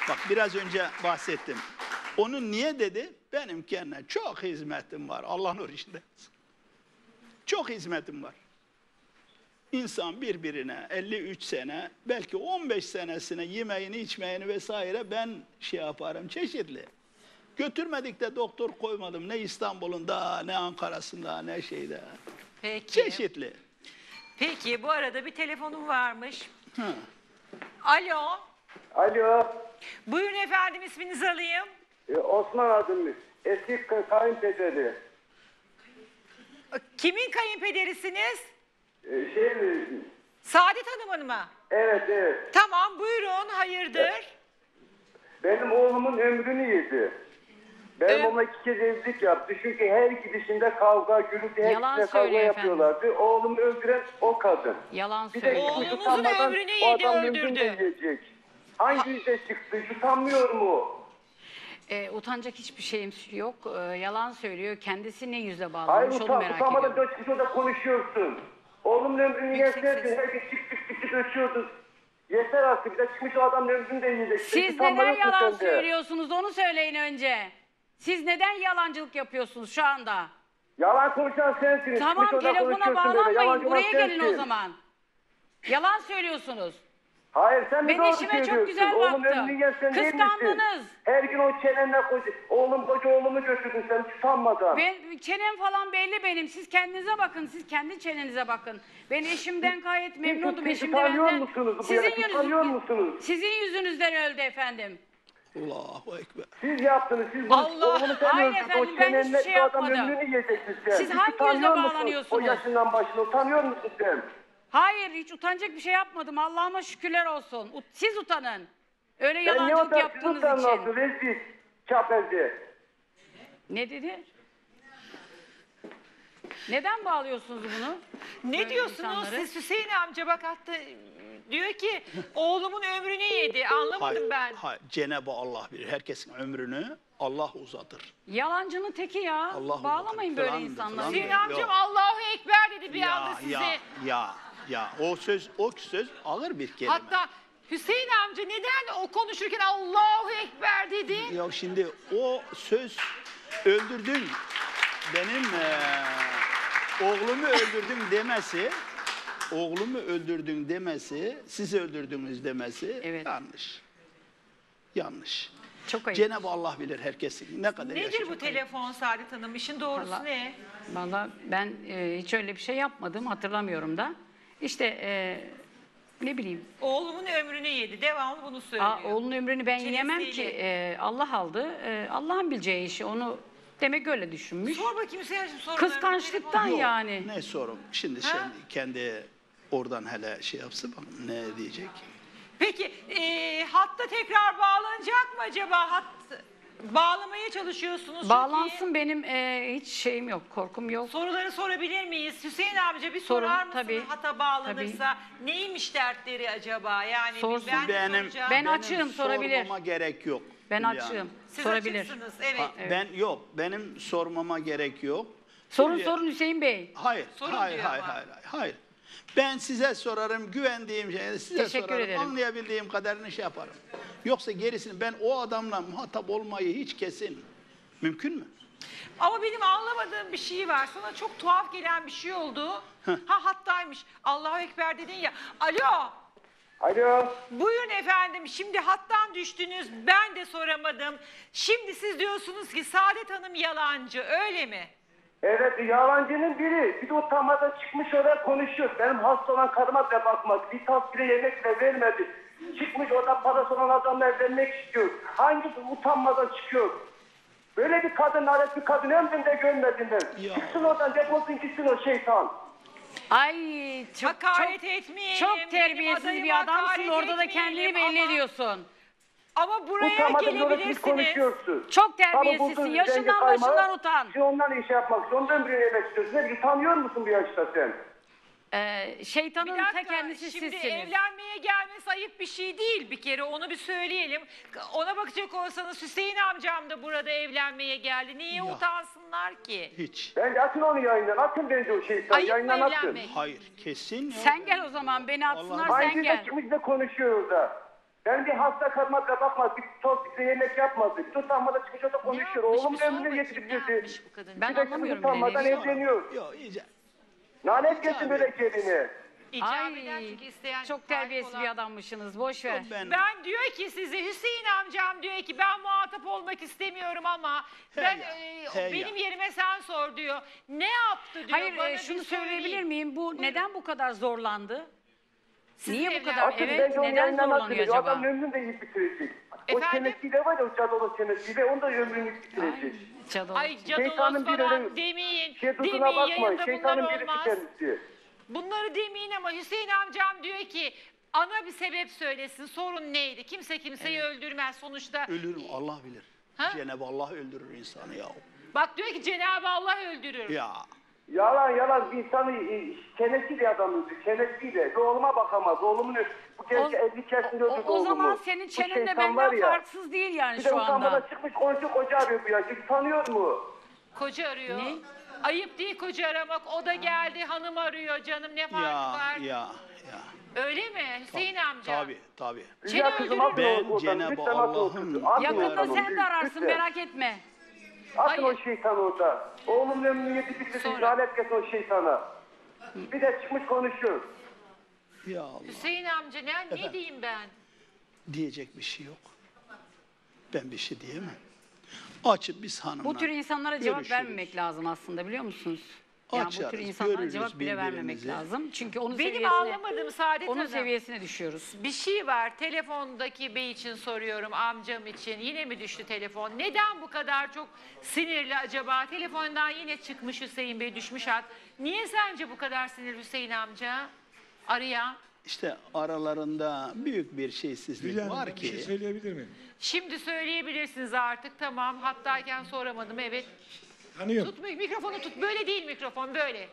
Bak biraz önce bahsettim. Onun niye dedi? Benim kendine çok hizmetim var. Allah nur içinde. Çok hizmetim var. İnsan birbirine 53 sene, belki 15 senesine yemeğini, içmeğini vesaire ben şey yaparım, çeşitli. Götürmedik de doktor koymadım. Ne İstanbul'unda, ne Ankara'sında, ne şeyde. Peki. Çeşitli. Peki bu arada bir telefonum varmış. Ha. Alo. Alo, Buyurun efendim, isminizi alayım. Osman adım. Eski kayınpederi. Kimin kayınpederisiniz? Şey mi? Saadet Hanım'ın mı? Evet, evet. Tamam, buyurun, hayırdır? Benim oğlumun ömrünü yedi. Benim Evet. onunla 2 kez evlilik yaptı. Çünkü her gidişinde kavga, gürültü, her Yalan gidişinde kavga söylüyor yapıyorlardı. Oğlumu öldüren o kadın. Yalan Bir de söylüyor. çıkmış Oğlunuzun utanmadan ömrünü o yedi, adam öldürdü. ömrünü de yiyecek. Hangi yüzde çıktı? Utanmıyor mu? Utanacak hiçbir şeyim yok. Yalan söylüyor. Kendisi ne yüzle Hayır, bağlamış onu merak utanmadan ediyorum. çıkmış orada konuşuyorsun. Oğlumun ömrünü Yüksek yeserdin. ses. Herkes çık ötüyordu. Yeter artık. Bir de çıkmış o adamın ömrünü de yiyecek. Siz neden yalan söylüyorsunuz onu söyleyin önce. Siz neden yalancılık yapıyorsunuz şu anda? Yalan konuşan sensin. Tamam, Çıkmış orada telefona konuşuyorsun böyle. bağlanmayın. Yalancı Buraya olan gelin o sensin. zaman. Yalan söylüyorsunuz. Hayır, sen Ben de doğru işime çok söylüyorsun. güzel Oğlum baktım. ömrünü yersen değil misin? Kıskandınız. Her gün o çenenle koca oğlumu götürdün sen utanmadan. Ben çenem falan belli benim. Siz kendinize bakın. Siz kendi çenenize bakın. Ben eşimden gayet memnundum. Siz Eşim de utanıyor benden. musunuz bu yana? Utanıyor musunuz? Sizin yüzünüzden öldü efendim. Allahu Ekber. Siz yaptınız. Siz bunu Allah! oğlumu sen Hayır öldürdün. efendim, O ben hiçbir çenenle şey bir adam yapmadım. ömrünü yiyeceksin sen. Siz hangi utanıyor yüzle musun? bağlanıyorsunuz? O yaşından başına utanıyor musun sen? Hayır, hiç utanacak bir şey yapmadım. Allah'ıma şükürler olsun. Siz utanın. Öyle Ben ne yalancılık utanırsın yaptığınız sen için. nasıl? Rezil. Çapelci. Ne dedi? Neden bağlıyorsunuz bunu? Ne Böyle diyorsunuz insanları? siz Hüseyin amca, bak hatta diyor ki oğlumun ömrünü yedi. Anlamadım Hayır, ben. hayır. Cenab-ı Allah bilir. Herkesin ömrünü Allah uzatır. Yalancının teki ya. Allah Bağlamayın Allah. böyle Falandır, insanları. falandır. Hüseyin Yok. amcam Allahu Ekber dedi bir anda size. Ya. O söz ağır bir kelime. Hatta Hüseyin amca neden o konuşurken Allahu Ekber dedi? Ya şimdi o söz öldürdün. Benim oğlumu öldürdün demesi, siz öldürdünüz demesi Evet. yanlış. Yanlış. Çok ayıp. Cenab-ı Allah bilir herkesin ne kadar Nedir yaşayacak. bu telefon Saadet Hanım? İşin doğrusu Vallahi- ne? Valla ben hiç öyle bir şey yapmadım. Hatırlamıyorum da. İşte ne bileyim. Oğlumun ömrünü yedi. Devamlı bunu söylüyor. Oğlunun ömrünü ben Çenesiyle. yiyemem ki. Allah aldı. Allah'ın bileceği işi. Onu demek öyle düşünmüş. Sor bakayım Hüseyin amcam sorularını. Kıskançlıktan Yok, yani. Ne sorum? Şimdi Ha? kendi oradan hele şey yapsın bakalım ne diyecek. Peki hatta tekrar bağlanacak mı acaba? Bağlamaya çalışıyorsunuz. çünkü. Bağlansın, benim hiç şeyim yok. Korkum yok. Soruları sorabilir miyiz? Hüseyin amca bir Sorun, sorar mısınız? tabii. Hata bağlanırsa neymiş dertleri acaba? Yani Sorsun. ben Benim- soracağım. Ben açığım, sorabilir. Sormama gerek yok. Ben Hülya açığım. Hanım. Siz Sorabilir. açıksınız, evet. Ben yok. Benim sormama gerek yok. Sorun Hülya- sorun Hüseyin Bey. Hayır. Sorun hayır, diyor hayır, ama. hayır. Ben size sorarım, güvendiğim şeyi size Teşekkür sorarım, ederim. anlayabildiğim kadarını şey yaparım. Yoksa gerisini ben o adamla muhatap olmayı hiç kesin. Mümkün mü? Ama benim anlamadığım bir şey var. Sana çok tuhaf gelen bir şey oldu. Hattaymış. Allahu Ekber dedin ya. Alo. Alo. Buyurun efendim. Şimdi hattan düştünüz. Ben de soramadım. Şimdi siz diyorsunuz ki Saadet Hanım yalancı. Öyle mi? Evet, yalancının biri. Bir de utanmadan çıkmış oraya konuşuyor. Benim hasta olan karıma bile bakmadı. Bir tas bile yemek bile vermedi. Çıkmış orada parası olan adamla evlenmek istiyor. Hangi utanmadan çıkıyor? Böyle bir kadın, alet bir kadın ömrümde görmedim ben. Ya. Çıksın oradan, defolsun gitsin o şeytan. Ay çok Hakaret çok, etmeyelim. çok Benim terbiyesiz adayıma bir adamsın. hakaret Orada da etmeyelim kendini belli ama- ediyorsun. Ama buraya Utanmadan böyle siz gelebilirsiniz. konuşuyorsun. Çok Tabii terbiyesizsin. buldun, Yaşından zengin kaymağı, başından utan. Şimdi ondan iş yapmak istiyorsun, ondan ömrünü yemek istiyorsun. Ne bileyim, tanıyor musun bu yaşta sen? Bir Şeytanın ta dakika, kendisi şimdi sizsiniz. evlenmeye gelmesi ayıp bir şey değil bir kere, onu bir söyleyelim. Ona bakacak olsanız Hüseyin amcam da burada evlenmeye geldi. Niye Ya. utansınlar ki? Hiç. Bence atın onu yayından, atın bence o şeytan, Ayıp mı yayından atın. evlenmek? Hayır, kesin yok. Sen gel o zaman, beni atsınlar, Vallahi- sen Aynı gel. de ikimiz de konuşuyor orada. Ben bir hasta karıma bile bakmadı. Bir toz bize yemek yapmadı. Bir utanmadan çıkmış orada konuşuyor. Oğlum ömrünü yedirtirdi. Ben Bir de anlamıyorum kız utanmadan bile. evleniyor. Yok iyice. Lanet gelsin böyle gelini. İcap eden Ay, çünkü isteyen çok sahip terbiyesiz olan- bir adammışsınız. Boş ver. Ben diyor ki size Hüseyin amcam diyor ki ben muhatap olmak istemiyorum ama He ben ya, he benim ya. yerime sen sor diyor. Ne yaptı diyor. Hayır bana şunu bir söyleyebilir söyleyin. miyim? Bu neden bu kadar zorlandı? Niye bu evlen- kadar? Artık Evet, bence onun neden yayından zorlanıyor atılıyor. acaba? Adam ömrünü de yiyip bitirecek. O Efendim? çenesiyle var ya o cadolu çenesiyle onu da ömrünü yiyip bitirecek. Çadır. Ay Şeytanın cadılos bir falan öyle demeyin. şey duduna Demeyin bakmayın. yayında Şeytanın bunlar birisi olmaz. kendisi. Bunları demeyin ama Hüseyin amcam diyor ki ana bir sebep söylesin. Sorun neydi? Kimse kimseyi öldürmez sonuçta. Ölürüm Allah bilir. Ha? Cenab-ı Allah öldürür insanı ya. Bak diyor ki Cenab-ı Allah öldürür. Ya Yalan insanı çenesiyle adam öldü. Çenesiyle. Bir oğluma bakamaz. Oğlumun bu genç 50 yaşında öldürdü O oğlumu. zaman senin Bu çenen de şeytan var benden ya, farksız değil yani Bir de şu utanmadan anda. çıkmış komşu koca arıyor bu ya. Tanıyor mu? Koca arıyor. Ne? Ayıp değil koca aramak. O da geldi hanım arıyor canım ne farkı ya var? ya. Öyle mi Hüseyin amca? Tabii. Rüya kızım atın Ben oradan. Cenab-ı Lütfen atın o Allah'ın kızı. Atın Yakında oradan sen onu. de ararsın Lütfen. merak etme. Atın Hayır. o şeytanı orada. Oğlumun ömrünü yedi bitirsin. Sonra. Lanet gelsin o şeytana. Bir de çıkmış konuşuyor. Ya Allah. Hüseyin amca ne diyeyim ben? Diyecek bir şey yok. Ben bir şey diyemem. Açıp biz hanımla Bu tür insanlara cevap görüşürüz. vermemek lazım aslında biliyor musunuz? Yani bu tür Açarız, insanlara görürüz cevap bile vermemek birbirimizi. lazım. Çünkü onun Benim seviyesine, ağlamadığım Saadet onun Hanım. seviyesine düşüyoruz. Bir şey var. Telefondaki bey için soruyorum, amcam için. Yine mi düştü telefon? Neden bu kadar çok sinirli acaba? Telefondan yine çıkmış Hüseyin Bey, düşmüş hat. Niye sence bu kadar sinirli Hüseyin amca? Arayan. İşte aralarında büyük bir şeysizlik Hülya Hanım, var ben bir şey ki. söyleyebilir miyim? Şimdi söyleyebilirsiniz artık. Tamam. Hattayken soramadım. Evet. Tanıyorum. Tut mikrofonu tut. Böyle değil mikrofon. Böyle.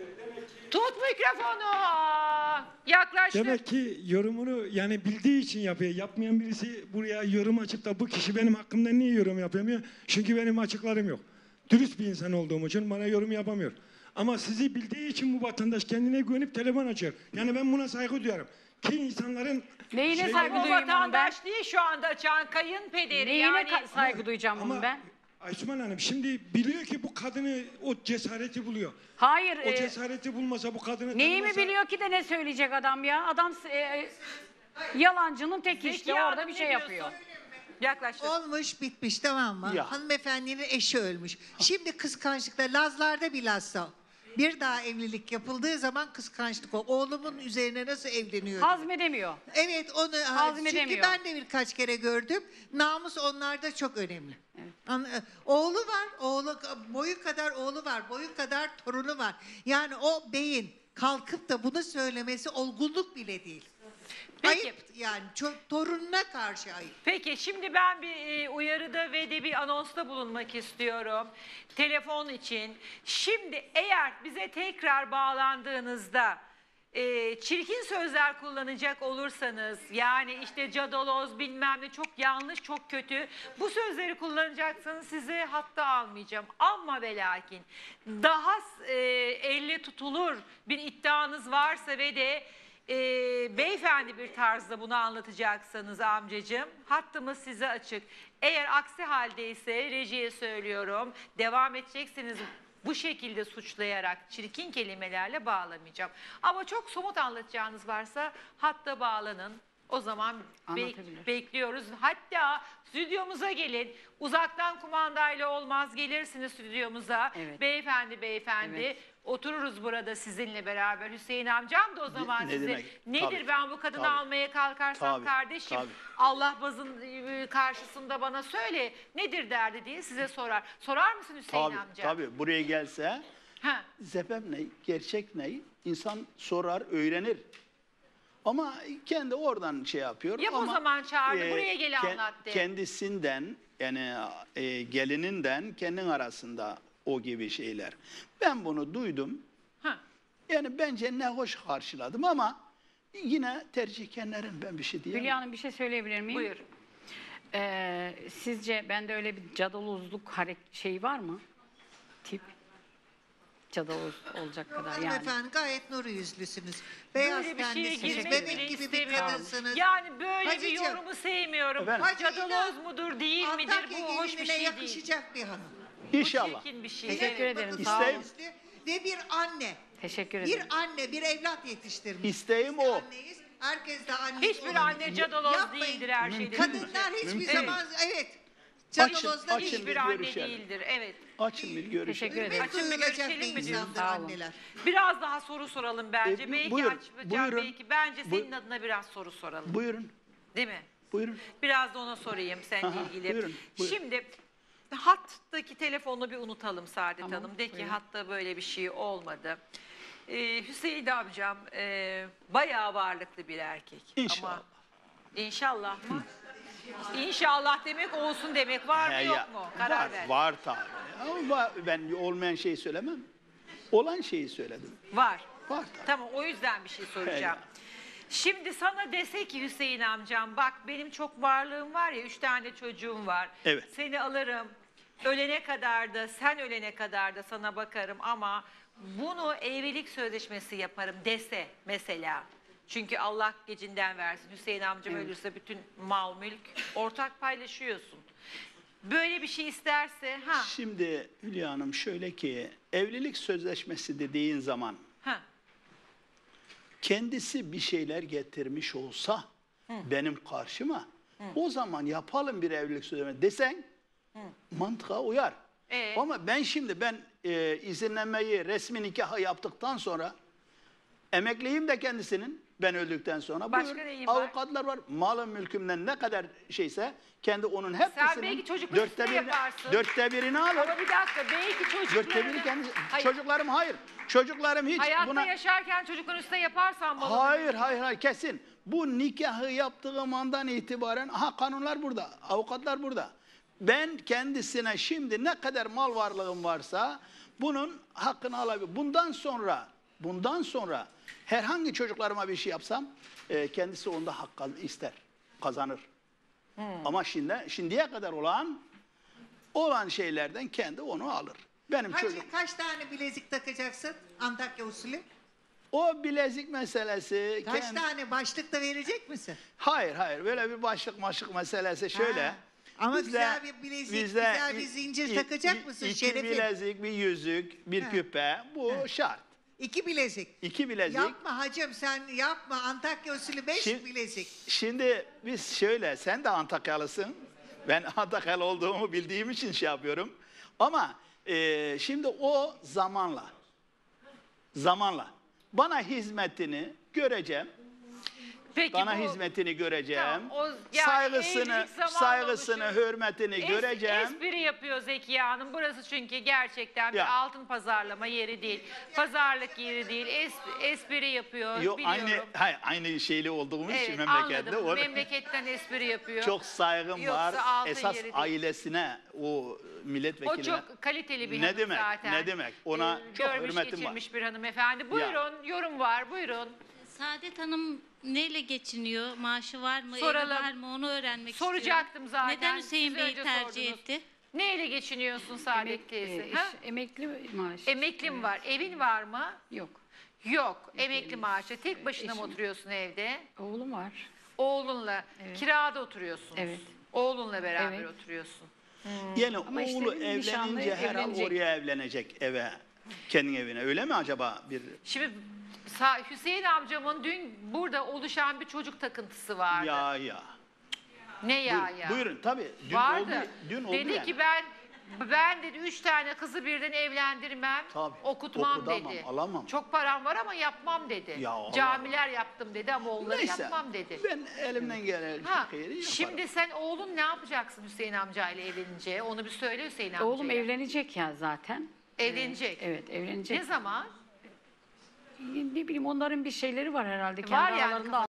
Tut mikrofonu. Yaklaştır. Demek ki yorumunu yani bildiği için yapıyor. Yapmayan birisi buraya yorum açıp da bu kişi benim hakkımda niye yorum yapamıyor? Çünkü benim açıklarım yok. Dürüst bir insan olduğum için bana yorum yapamıyor. Ama sizi bildiği için bu vatandaş kendine güvenip telefon açıyor. Yani ben buna saygı duyarım. Ki insanların Neyine şey- saygı O duyayım onun ben? vatandaş değil şu anda açan kayınpederi. Neyine Yani saygı duyacağım Ama bunun ben? Aysuman Hanım şimdi biliyor ki bu kadını o cesareti buluyor. Hayır. O cesareti bulmasa bu kadını Neyi mi tanımasa- biliyor ki de ne söyleyecek adam ya? Adam yalancının tek Zeki işte Hanım, orada bir ne şey diyorsun? yapıyor. Yaklaştır. Olmuş bitmiş tamam mı? Ya. Hanımefendinin eşi ölmüş. Şimdi kıskançlıkla Lazlarda bilhassa bir daha evlilik yapıldığı zaman kıskançlık o. Oğlumun üzerine nasıl evleniyor? Hazmedemiyor. Evet onu çünkü Hazmedemiyor. ben de birkaç kere gördüm. Namus onlarda çok önemli. Oğlu var, boyu kadar oğlu var, boyu kadar torunu var. Yani o beyin kalkıp da bunu söylemesi olgunluk bile değil. Peki. Ayıp yani torununa karşı ayıp. Peki şimdi ben bir uyarıda ve de bir anonsta bulunmak istiyorum. Telefon için. Şimdi eğer bize tekrar bağlandığınızda çirkin sözler kullanacak olursanız yani işte cadaloz bilmem ne çok yanlış çok kötü bu sözleri kullanacaksanız sizi hatta almayacağım. Ama ve lakin daha elle tutulur bir iddianız varsa ve de beyefendi bir tarzda bunu anlatacaksanız amcacığım hattımız size açık. Eğer aksi haldeyse rejiye söylüyorum devam edeceksiniz bu şekilde suçlayarak çirkin kelimelerle bağlamayacağım. Ama çok somut anlatacağınız varsa hatta bağlanın. O zaman Anlatabilir. bekliyoruz. Hatta stüdyomuza gelin. Uzaktan kumandayla olmaz. Gelirsiniz stüdyomuza. Evet. Beyefendi. Evet. Otururuz burada sizinle beraber. Hüseyin amcam da o zaman ne size demek? nedir Tabii, ben bu kadını tabii. almaya kalkarsam Tabii, kardeşim tabii. Allah bazın karşısında bana söyle nedir derdi diye size sorar. Sorar mısın Hüseyin amca? Tabii buraya gelse Ha. sebep ne, gerçek ne? İnsan sorar, öğrenir. Ama kendi oradan şey yapıyor. Yap o ama, zaman çağırdı, buraya gel anlat de. Kendisinden yani gelininden kendin arasında o gibi şeyler. Ben bunu duydum. Ha. Yani bence ne hoş karşıladım ama yine tercihkenlerin ben bir şey diyemem. Hülya Hanım bir şey söyleyebilir miyim? Buyur. Sizce bende öyle bir cadalozluk şeyi var mı? Tip. Cadaloz olacak kadar yani. Hanımefendi gayet nuru yüzlüsünüz. Beyaz Böyle bir şeye tenlisiniz. girmek Bebek bile gibi bir istemiyorum. kadınsınız. Yani böyle bir Hacıcığım. yorumu sevmiyorum. Efendim? Hacı Cadaloz inan, mudur değil midir Antakya bu hoş bir gelinine şey değil. yakışacak bir hanım. İnşallah. Çirkin bir şey. Teşekkür Evet. ederim. Bakın Sağ İsteyim. olun. Ve bir anne. Teşekkür Bir ederim. anne, bir evlat yetiştirmiş. İsteğim Biz de o. anneyiz. Herkes de anne. Hiçbir anne cadaloz Yapmayın. değildir her şeyden. Kadınlar hiçbir Mümkün zaman evet. Açın, Cadalozlar açın. Hiçbir bir anne görüşelim. değildir. Evet. Açın bir görüşelim. Teşekkür ederim. Açın bir duyulacak görüşelim bir mi diyorsun? insandır Sağ olun. anneler. Biraz daha soru soralım bence. Belki buyurun, açacağım, buyurun. belki. Bence senin Bu- adına biraz soru soralım. Buyurun. Değil mi? Buyurun. Biraz da ona sorayım seninle Aha, ilgili. buyurun, buyurun. Şimdi hattaki telefonu bir unutalım Saadet Tamam, Hanım. De ki buyurun. hatta böyle bir şey olmadı. Hüseyin amcam bayağı varlıklı bir erkek. İnşallah. Ama inşallah mı? İnşallah demek olsun demek var mı He yok ya, mu? Karar var, ver. var tabii. Ama ben olmayan şeyi söylemem. Olan şeyi söyledim. Var. Var tabii. Tamam o yüzden bir şey soracağım. He. Şimdi sana dese ki Hüseyin amcam bak benim çok varlığım var ya 3 tane çocuğum var. Evet. Seni alırım. Ölene kadar da sen ölene kadar da sana bakarım ama bunu evlilik sözleşmesi yaparım dese mesela. Çünkü Allah gecinden versin. Hüseyin amcam ölürse bütün mal mülk ortak paylaşıyorsun. Böyle bir şey isterse ha Şimdi Hülya Hanım şöyle ki evlilik sözleşmesi dediğin zaman ha kendisi bir şeyler getirmiş olsa benim karşıma o zaman yapalım bir evlilik sözleşmesi desen mantığa uyar. Ama ben şimdi izinlenmeyi resmi nikahı yaptıktan sonra emekliyim de kendisinin ben öldükten sonra Başka buyur, neyim var? avukatlar var. Malım mülkümden ne kadar şeyse kendi onun hepsinin belki çocuklar üstüne yaparsın. dörtte birini alır. ama bir dakika belki Dörtte biri çocuklarını kendisi. Hayır, Çocuklarım hayır. Çocuklarım hiç hayatta buna... yaşarken çocukların üstüne yaparsan malını Hayır kesin. Bu nikahı yaptığım andan itibaren kanunlar burada, avukatlar burada. Ben kendisine şimdi ne kadar mal varlığım varsa bunun hakkını alabilirim. Bundan sonra herhangi çocuklarıma bir şey yapsam kendisi onda hak ister, kazanır. Ama şimdiye kadar olan şeylerden kendi onu alır. Benim çocuk. Hacı kaç tane bilezik takacaksın Antakya usulü? O bilezik meselesi. Kaç tane başlık da verecek misin? Hayır. Böyle bir başlık meselesi şöyle. Ha. Ama Bizde- güzel bir bilezik, bizde güzel bir zincir takacak mısın İki Şerefim? bilezik, bir yüzük, bir Ha. küpe. Bu şart. 2 bilezik. 2 bilezik. Yapma hacım sen yapma. Antakya usulü 5 Şi- bilezik. Şimdi biz şöyle, sen de Antakyalısın. Ben Antakyalı olduğumu bildiğim için şey yapıyorum. Ama şimdi o zamanla bana hizmetini göreceğim. Peki Bana bu hizmetini göreceğim. Tamam, yani evlilik zamanla saygısını, oluşuyor. hürmetini göreceğim. Espri yapıyor Zekiye Hanım. Burası çünkü gerçekten bir Ya. altın pazarlama yeri değil. Pazarlık yeri değil. Espri yapıyor Yok, biliyorum. aynı şeyli olduğumuz için Evet memlekette. anladım. Memleketten espri yapıyor. Çok saygım Yoksa var. altın Esas yeri değil. ailesine, o milletvekiline. O çok kaliteli bir Ne hanım demek, zaten. ne demek? Ona çok görmüş, hürmetim var. geçirmiş bir hanımefendi. Buyurun, yorum var, buyurun. Saadet Hanım neyle geçiniyor? Maaşı var mı? Soralım. Evi var mı? Onu öğrenmek Soracaktım istiyorum. zaten. Neden Hüseyin Siz Bey'i önce tercih sordunuz. etti? Neyle geçiniyorsun Saadet teyze? Ha? Emekli maaş. Emeklim var. Evin var mı? Yok. Yok. Emekli maaşı. Tek başına mı Eşim. oturuyorsun evde? Oğlum var. Oğlunla. Kirada oturuyorsunuz. Evet. Oğlunla beraber Evet. oturuyorsun. Yani Ama işte oğlu bir nişanlı evlenince herhal evlenecek. oraya evlenecek eve. Kendi evine. Öyle mi acaba? Şimdi Hüseyin amcamın dün burada oluşan bir çocuk takıntısı vardı. Ya. Ne ya Buyurun, ya? buyurun tabii. Dün Vardı. Dün oldu dedi yani. ki ben dedi 3 tane kızı birden evlendirmem, Tabii, okutmam okutamam, dedi. alamam. Çok param var ama yapmam dedi. Ya Allah. Camiler yaptım dedi ama onları Neyse, yapmam dedi. ben elimden gelen Ha, şeyi yaparım. şimdi sen oğlun ne yapacaksın Hüseyin amcayla evlenince? Onu bir söyle Hüseyin amcaya. Oğlum evlenecek ya zaten. Evlenecek. Evet evlenecek. Ne zaman? Ne bileyim onların bir şeyleri var herhalde. Kendi Var yani aralarında